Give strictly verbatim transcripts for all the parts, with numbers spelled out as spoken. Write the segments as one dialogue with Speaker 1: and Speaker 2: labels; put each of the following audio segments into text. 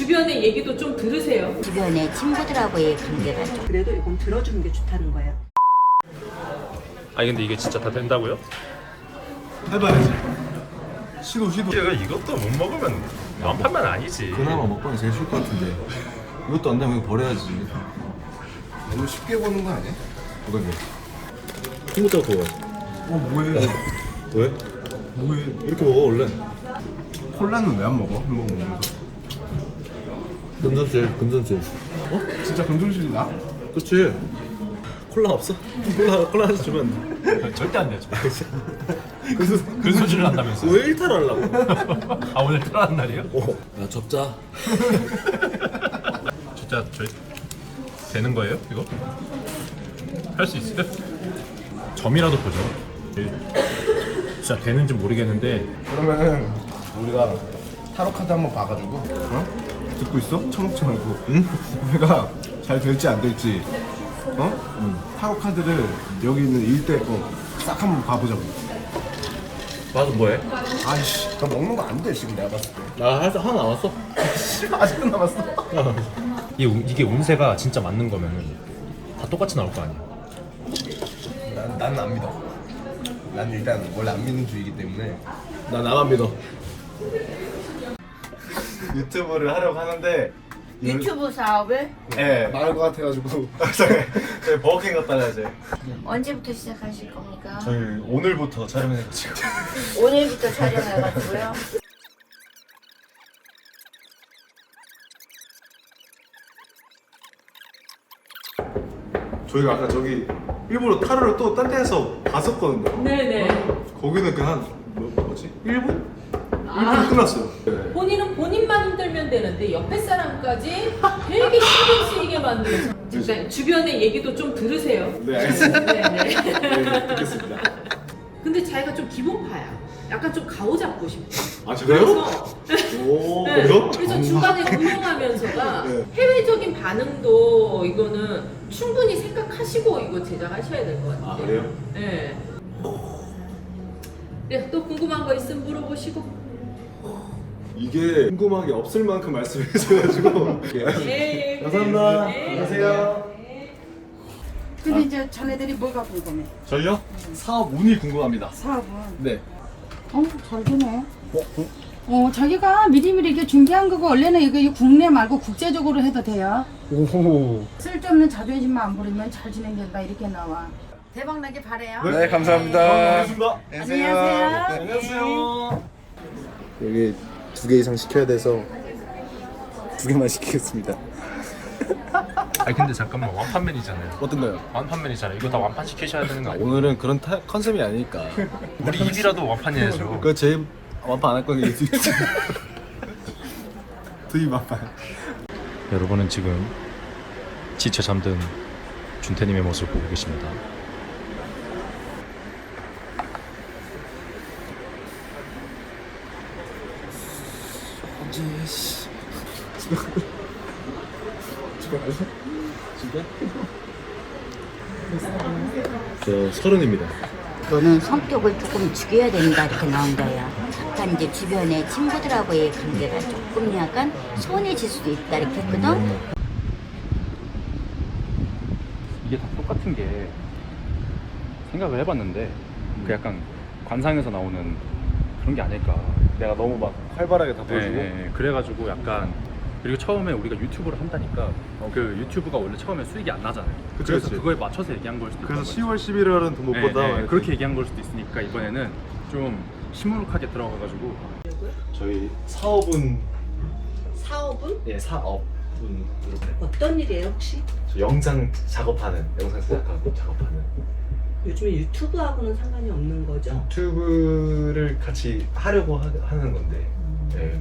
Speaker 1: 주변의 얘기도 좀 들으세요.
Speaker 2: 주변의 친구들하고의 관계가 좀.
Speaker 3: 그래도 이건 들어주는 게 좋다는 거예요.
Speaker 4: 아니 근데 이게 진짜 다 된다고요?
Speaker 5: 해봐야지. 시도 시도.
Speaker 4: 얘가 이것도 못 먹으면 완판만 아니지.
Speaker 5: 그나마 먹방이 제일 쉬울 것 같은데 이것도 안 되면 이거 버려야지.
Speaker 6: 너무 쉽게 보는 거 아니야?
Speaker 5: 어떤 게? 콩부터 구워. 어 뭐해? 왜? 뭐해? 이렇게 먹어 원래.
Speaker 6: 콜라는 왜 안 먹어? 햄버거 먹으면서.
Speaker 5: 금전질 금전질.
Speaker 6: 어? 진짜 금전실이 나?
Speaker 5: 그렇지. 콜라 없어? 콜라 콜라 하나 주면
Speaker 4: 절대 안 되죠. 그, 그 소주를 한다면서.
Speaker 5: 왜 일탈하려고?
Speaker 4: 아 오늘 태어난 날이에요?
Speaker 5: 어. 야 접자.
Speaker 4: 진짜 저희 되는 거예요 이거? 할 수 있어요? 점이라도 보죠. 진짜 되는지 모르겠는데.
Speaker 6: 그러면은 우리가 타로 카드 한번 봐가지고 어? 듣고 있어? 처먹지 말고 응? 우리가 잘 될지 안 될지 어? 응. 타로 카드를 여기 있는 일대 거싹 한번 봐보자고.
Speaker 5: 맞아 뭐해?
Speaker 6: 아이씨 나 먹는 거 안 돼 지금 내가 봤을 때.
Speaker 5: 나 할 하나 남았어.
Speaker 6: 아직도 남았어.
Speaker 4: 이게, 운- 이게 운세가 진짜 맞는 거면은 다 똑같이 나올 거 아니야.
Speaker 6: 난, 나는 안 믿어. 난 일단 원래 안 믿는 주의이기 때문에
Speaker 5: 나 나만 믿어.
Speaker 6: 유튜브를 하려고 하는데
Speaker 2: 유튜브 사업을
Speaker 6: 예 나을 것 같아가지고 저희 버거킹 갔다가 이제
Speaker 2: 언제부터 시작하실 겁니까?
Speaker 6: 저희 오늘부터 촬영해가지고
Speaker 2: 오늘부터 촬영해가지고요.
Speaker 5: 저희가 아까 저기 일부러 타로를 또 딴 데에서 봤었거든요.
Speaker 1: 네네.
Speaker 5: 거기는 그한 뭐, 뭐지? 일 분?
Speaker 1: 아.
Speaker 5: 일 분 끝났어요.
Speaker 1: 본인은 본인만 힘들면 되는데 옆에 사람까지 되게 신경 쓰이게 만드는. 그러니까 주변의 얘기도 좀 들으세요.
Speaker 5: 네 알겠습니다.
Speaker 1: 네네.
Speaker 5: 네, 듣겠습니다.
Speaker 1: 근데 자기가 좀 기본파야. 약간 좀 가오잡고 싶어.
Speaker 5: 아 그래요?
Speaker 1: 그래서
Speaker 5: 오
Speaker 1: 네,
Speaker 5: 그래요?
Speaker 1: 그래서 중간에 운영하면서가
Speaker 5: 네.
Speaker 1: 해외적인 반응도 이거는 충분히 생각하시고 이거 제작하셔야 될 것 같아요.
Speaker 5: 아, 그래요?
Speaker 1: 네. 네, 또 궁금한 거 있으면 물어보시고.
Speaker 5: 이게 궁금한 게 없을 만큼 말씀해 주셔가지고
Speaker 1: 예, 예,
Speaker 5: 감사합니다.
Speaker 1: 네.
Speaker 5: 안녕하세요.
Speaker 7: 근데 이제 자네들이 뭐가 궁금해?
Speaker 5: 저희요? 사업 운이 궁금합니다.
Speaker 7: 사업은?
Speaker 5: 네.
Speaker 7: 어, 잘 되네. 어, 자기가 미리미리 이렇게 준비한 거고 원래는 이거 이 국내 말고 국제적으로 해도 돼요.
Speaker 5: 오호.
Speaker 7: 쓸데없는 자존심만 안 부리면 잘 진행된다 이렇게 나와. 대박 나게 바래요.
Speaker 6: 네 감사합니다.
Speaker 5: 반갑습니다.
Speaker 7: 안녕하세요.
Speaker 5: 안녕하세요.
Speaker 6: 여기 두 개 이상 시켜야 돼서 두 개만 시키겠습니다.
Speaker 4: 아니 근데 잠깐만 완판맨이잖아요.
Speaker 5: 어떤 거요?
Speaker 4: 완판맨이잖아요. 이거 다 완판 시키셔야 되는 거 아니에요?
Speaker 5: 오늘은 그런 타, 컨셉이 아니니까.
Speaker 4: 우리 입이라도 완판해야죠.
Speaker 5: 그 제 완판 안 할 거니까 두입 완판.
Speaker 4: 여러분은 지금 지쳐 잠든 준태님의 모습을 보고 계십니다.
Speaker 5: 저 서른입니다.
Speaker 2: 너는 성격을 조금 죽여야 된다 이렇게 나온다야. 약간 이제 주변의 친구들하고의 관계가 조금 약간 소원해질 수도 있다 이렇게 했거든.
Speaker 4: 이게 다 똑같은 게 생각을 해봤는데 그 약간 관상에서 나오는 그런 게 아닐까.
Speaker 5: 내가 너무 막 활발하게 다 보여주고.
Speaker 4: 네, 네. 그래가지고 약간 그리고 처음에 우리가 유튜브를 한다니까 그 유튜브가 원래 처음에 수익이 안 나잖아요.
Speaker 5: 그치,
Speaker 4: 그래서
Speaker 5: 그치.
Speaker 4: 그거에 맞춰서 얘기한 걸 수도
Speaker 5: 그래서
Speaker 4: 있는
Speaker 5: 시월, 십일월은 돈 못
Speaker 4: 네,
Speaker 5: 번다.
Speaker 4: 네,
Speaker 5: 이렇게.
Speaker 4: 그렇게 얘기한 걸 수도 있으니까 이번에는 좀 시무룩하게 들어가가지고
Speaker 5: 저희 사업은
Speaker 3: 사업은
Speaker 5: 예 사업은
Speaker 3: 어떤 일이에요 혹시?
Speaker 5: 저 영상 작업하는 영상 제작하고 작업하는
Speaker 3: 요즘에 유튜브하고는 상관이 없는 거죠?
Speaker 5: 유튜브를 같이 하려고 하, 하는 건데. 네.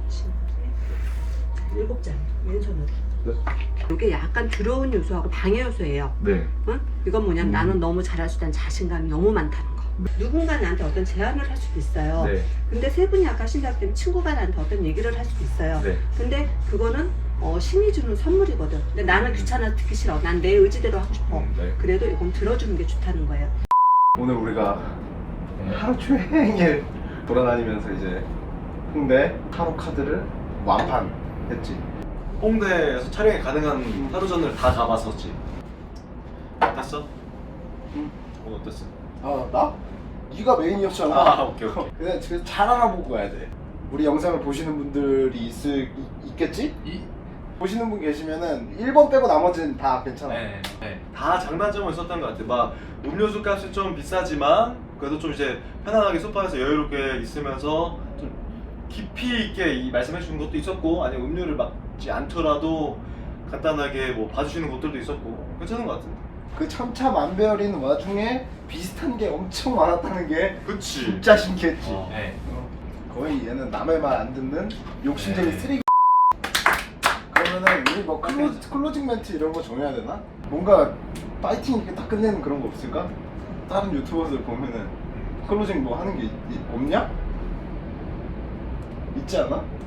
Speaker 3: 일곱 장 왼손으로.
Speaker 5: 네.
Speaker 3: 이게 약간 두려운 요소하고 방해 요소예요.
Speaker 5: 네.
Speaker 3: 응? 이건 뭐냐면 나는 너무 잘할 수 있다는 자신감이 너무 많다는 거. 누군가 나한테 어떤 제안을 할 수도 있어요.
Speaker 5: 네.
Speaker 3: 근데 세 분이 아까 신작 때문에 친구가 나한테 어떤 얘기를 할 수도 있어요.
Speaker 5: 네.
Speaker 3: 근데 그거는 어, 신이 주는 선물이거든. 근데 나는 귀찮아 듣기 싫어. 난 내 의지대로 하고 싶어.
Speaker 5: 음, 네.
Speaker 3: 그래도 이건 들어주는 게 좋다는 거예요.
Speaker 6: 오늘 우리가 하루 종일 돌아다니면서 이제 홍대 타로 카드를 완판했지.
Speaker 5: 홍대에서 촬영이 가능한 하루전을 다 가봤었지. 어땠어?
Speaker 6: 응.
Speaker 5: 오늘 어땠어?
Speaker 6: 아 나? 네가 메인이었잖아.
Speaker 5: 아 오케이 오케이.
Speaker 6: 그냥 지금 잘 알아보고 가야 돼. 우리 영상을 보시는 분들이 있을 이- 있겠지? 이, 보시는 분 계시면은 일 번 빼고 나머지는 다 괜찮아.
Speaker 5: 네, 네. 다 장단점은 있었던 것 같아. 막 음료수 값이 좀 비싸지만 그래도 좀 이제 편안하게 소파에서 여유롭게 있으면서 좀 깊이 있게 이 말씀해 주는 것도 있었고, 아니면 음료를 막지 않더라도 간단하게 뭐 봐주시는 곳들도 있었고 괜찮은 것 같은데.
Speaker 6: 그 천차만별인 와중에 비슷한 게 엄청 많았다는 게
Speaker 5: 그치.
Speaker 6: 진짜 신기했지.
Speaker 5: 어. 네.
Speaker 6: 어. 거의 얘는 남의 말 안 듣는 욕심쟁이
Speaker 5: 네.
Speaker 6: 쓰레기. 그러면은 우리 뭐 클로즈, 클로징 멘트 이런 거 정해야 되나? 뭔가 파이팅 이렇게 딱 끝내는 그런 거 없을까? 다른 유튜버들 보면은 클로징 뭐 하는 게 있, 있- 없냐? 있지 않아?